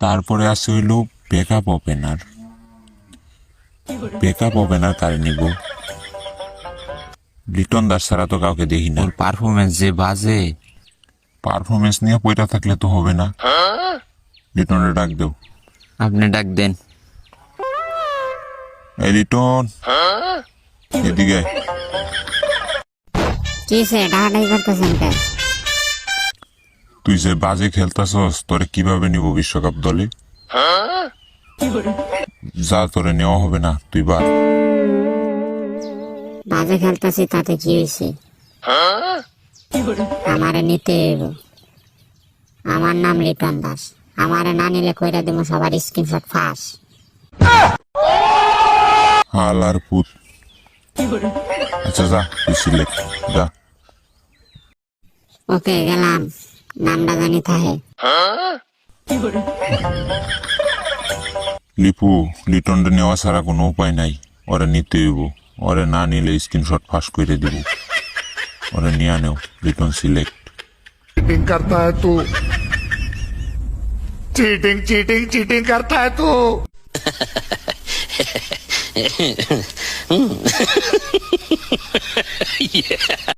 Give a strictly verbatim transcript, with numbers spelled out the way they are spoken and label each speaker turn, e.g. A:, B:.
A: তারপরে আছে হইল ব্যাকআপ ওপেনার। ব্যাকআপ ওপেনার কারে নিব? লিটন দাস ছাড়া তো কাউকে দেখি না।
B: ওর পারফরমেন্স যে বাজে।
A: পারফরমেন্স নিয়ে পয়টা থাকলে তো হবে না। লিটনের ডাক দেও।
B: আপনি ডাক দেন।
A: এই লিটন, এদিকে আয়।
C: কি সে ডাকাডাকি করতেছেন কে?
A: তুই যে বাজে খেলতাছস, তোরে কিভাবে নিব বিশ্বকাপ দলে? যা, তোরে নেওয়া হবে না, তুই বার।
C: বাজে খেলতেছি তাতে কি হয়েছে? আমারে নিতে হইব। আমার নাম লিটন দাস। আমারে না নিলে কইরা দিব সবার স্ক্রিনশট ফাঁস।
A: হাল আর পুত। আচ্ছা যা, তুই সিলেক্ট যা।
C: ওকে গেলাম, নামটা জানি থাহে।
A: লিপু, লিটনটা নেওয়া ছাড়া কোনো উপায় নাই। ওরে নিতে হইব। ওরে না নিলে স্ক্রিনশট ফাঁস করে দিব। ওরে নিয়ে নেও। লিটন সিলেক্ট।
D: चीटिंग करता है तू चीटिंग चीटिंग चीटिंग करता है तू